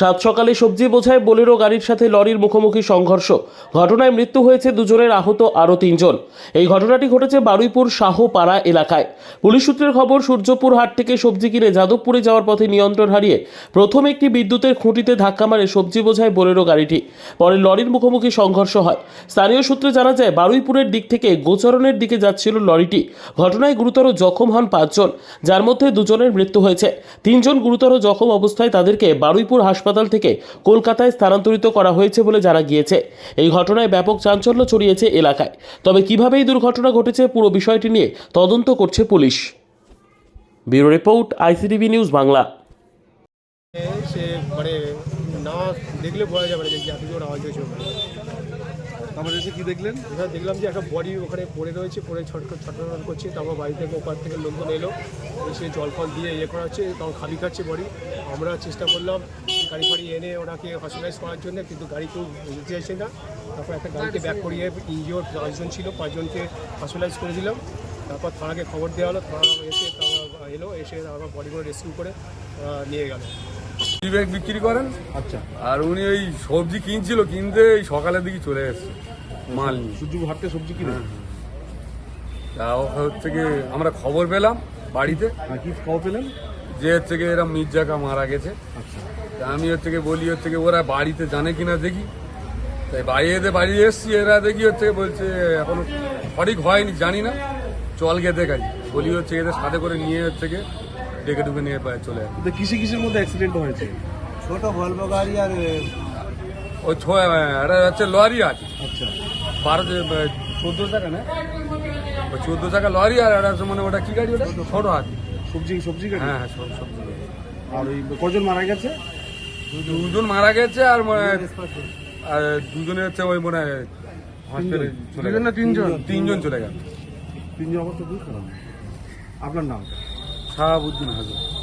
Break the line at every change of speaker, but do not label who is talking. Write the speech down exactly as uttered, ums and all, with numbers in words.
সাত সকালে সবজি বোঝায় বোলেরো গাড়ির সাথে লরির মুখোমুখি সংঘর্ষ। ঘটনায় মৃত্যু হয়েছে দুজনের, আহত আরও তিনজন। এই ঘটনাটি ঘটেছে বারুইপুর শাহপাড়া এলাকায়। পুলিশ সূত্রের খবর, সূর্যপুর হাট থেকে সবজি কিনে যাদবপুরে যাওয়ার পথে নিয়ন্ত্রণ হারিয়ে প্রথম একটি বিদ্যুতের খুঁটিতে ধাক্কা মারে সবজি বোঝায় বোলেরো গাড়িটি। পরে লরির মুখোমুখি সংঘর্ষ হয়। স্থানীয় সূত্রে জানা যায়, বারুইপুরের দিক থেকে গোচরণের দিকে যাচ্ছিল লরিটি। ঘটনায় গুরুতর জখম হন পাঁচজন, যার মধ্যে দুজনের মৃত্যু হয়েছে। তিনজন গুরুতর জখম অবস্থায় তাদেরকে বারুইপুর হাসপাতাল থেকে কলকাতায় স্থানান্তরিত করা হয়েছে বলে জানা গিয়েছে। এই ঘটনায় ব্যাপক চাঞ্চল্য ছড়িয়েছে এলাকায়। তবে কিভাবে এই দুর্ঘটনা ঘটেছে পুরো বিষয়টি নিয়ে তদন্ত করছে police. Bureau report, ICTV news Bangla.
সে মানে না দেখলে বোঝা যাবে না যে এত জোর আওয়াজ হয়েছে।
আমরা এসে কি দেখলেন?
এবার দেখলাম যে একটা বডি ওখানে পড়ে রয়েছে, পড়ে ছটফট ছটফট করছে। তারপর বাড়ি থেকে ওপার থেকে লোকজন এলো, সে জল ফল দিয়ে ইয়ে করা হচ্ছে, তখন খালি খাচ্ছে বডি। আমরা চেষ্টা করলাম গাড়ি ফাড়ি এনে ওনাকে হসপিটালাইজ করার জন্য, কিন্তু গাড়ি কেউ যেতে চাইছে না। তারপর একটা গাড়িতে ব্যাক করিয়ে ইনজিওর পাঁচজন ছিল, পাঁচজনকে হসপিটালাইজ করে দিলাম। তারপর থানাকে খবর দেওয়া হলো, থানা এসে তারপর এলো, এসে আমার বডিগুলো রেস্কিউ করে নিয়ে গেল।
ব্যাগ বিক্রি করেন।
আচ্ছা,
আর উনি ওই সবজি কিনছিল, কিনতে এই সকালের দিকে চলে এসছে মাল নিয়ে।
সূর্যপুর হাট থেকে সবজি কিনে
তা হচ্ছে কি আমরা খবর পেলাম বাড়িতে,
আর কি খবর পেলেন?
যে হচ্ছে কি এরা মির্জাকা মারা গেছে।
আচ্ছা,
তা আমি হচ্ছে কি বলি হচ্ছে কি ওরা বাড়িতে জানে কিনা দেখি। তাই বাইরে বাড়ি এসছি, এরা দেখি হচ্ছে বলছে এখনো সঠিক হয়নি, জানি না, চল গিয়ে দেখাই। বলি হচ্ছে এদের সাথে করে নিয়ে হচ্ছে কি ডেকে ডুকে নিয়ে চলে আসে।
কিন্তু কিসে কিসের মধ্যে অ্যাক্সিডেন্ট হয়েছে?
ছোট ভলভো গাড়ি আর
ওই ছ একটা হচ্ছে লরি আছে,
আচ্ছা,
বারো চোদ্দো টাকা না, ওই চোদ্দো টাকা লরি। আর একটা মানে ওটা কি গাড়ি, ওটা ছোট আছে,
সবজি সবজি গাড়ি।
হ্যাঁ হ্যাঁ সব সবজি গাড়ি।
আর ওই কজন মারা গেছে?
দুজন মারা গেছে, আর মানে আর দুজনে হচ্ছে ওই মানে হসপিটালে চলে গেছে।
তিনজন
তিনজন চলে গেল।
তিনজন অবস্থা বুঝতে পারলাম। আপনার নাম?
শাহাবুদ্দিন হাজার।